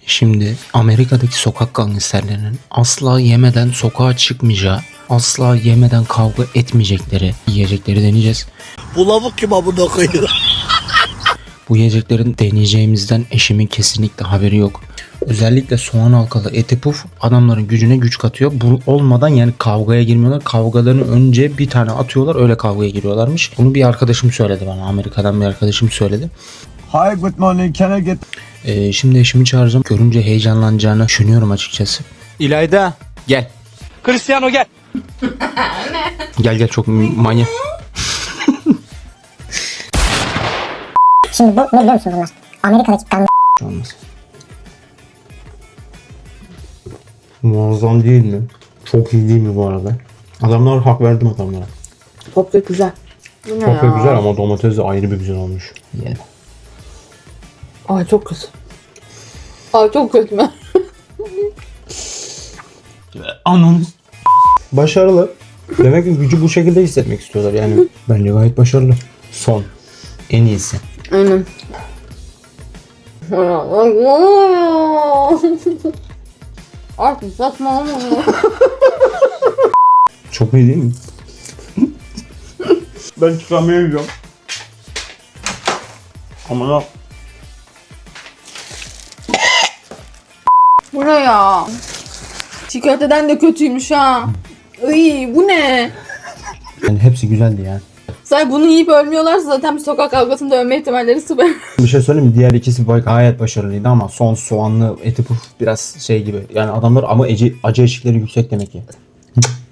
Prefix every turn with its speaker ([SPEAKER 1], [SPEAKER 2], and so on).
[SPEAKER 1] Şimdi Amerika'daki sokak gangsterlerinin asla yemeden sokağa çıkmayacağı, asla yemeden kavga etmeyecekleri yiyecekleri deneyeceğiz.
[SPEAKER 2] Bu lavuk kim amına koyuyor?
[SPEAKER 1] Bu yiyeceklerin deneyeceğimizden eşimin kesinlikle haberi yok. Özellikle soğan halkalı eti puf adamların gücüne güç katıyor. Bu olmadan yani kavgaya girmiyorlar. Kavgalarını önce bir tane atıyorlar, öyle kavgaya giriyorlarmış. Bunu bir arkadaşım söyledi bana. Amerika'dan bir arkadaşım söyledi.
[SPEAKER 3] Hi, good morning. Can I get...
[SPEAKER 1] Şimdi eşimi çağıracağım. Görünce heyecanlanacağını düşünüyorum açıkçası. İlayda gel.
[SPEAKER 2] Cristiano gel.
[SPEAKER 1] Gel çok manyak.
[SPEAKER 4] Şimdi bu ne biliyor musun bunlar? Amerika'daki gang
[SPEAKER 1] Olmaz. Muazzam değil mi? Çok iyi değil mi bu arada? Adamlar hak verdim adamlara.
[SPEAKER 5] Çok da güzel. Bu ne
[SPEAKER 1] Çok da
[SPEAKER 5] ya?
[SPEAKER 1] güzel ama domates de ayrı bir güzel olmuş. Yiyelim.
[SPEAKER 5] Ay çok kötü. Ay çok kötü mü?
[SPEAKER 1] Anam. Başarılı. Demek ki gücü bu şekilde hissetmek istiyorlar yani. Bence gayet başarılı. Son. En iyisi.
[SPEAKER 5] Aynen. Artık saçmalama.
[SPEAKER 1] Çok iyi değil mi? Ben çıkamayacağım. Ama ne?
[SPEAKER 5] Bu ne ya? Çiğ köfteden de kötüymüş ha. Iy, bu ne?
[SPEAKER 1] Yani hepsi güzeldi yani.
[SPEAKER 5] Sen bunu yiyip ölmüyorlarsa zaten bir sokak kavgasında ölme ihtimalleri sıfır.
[SPEAKER 1] Bir şey söyleyeyim mi? Diğer ikisi gayet başarılıydı ama son soğanlı eti puf biraz şey gibi. Yani adamlar ama acı eşikleri yüksek demek ki.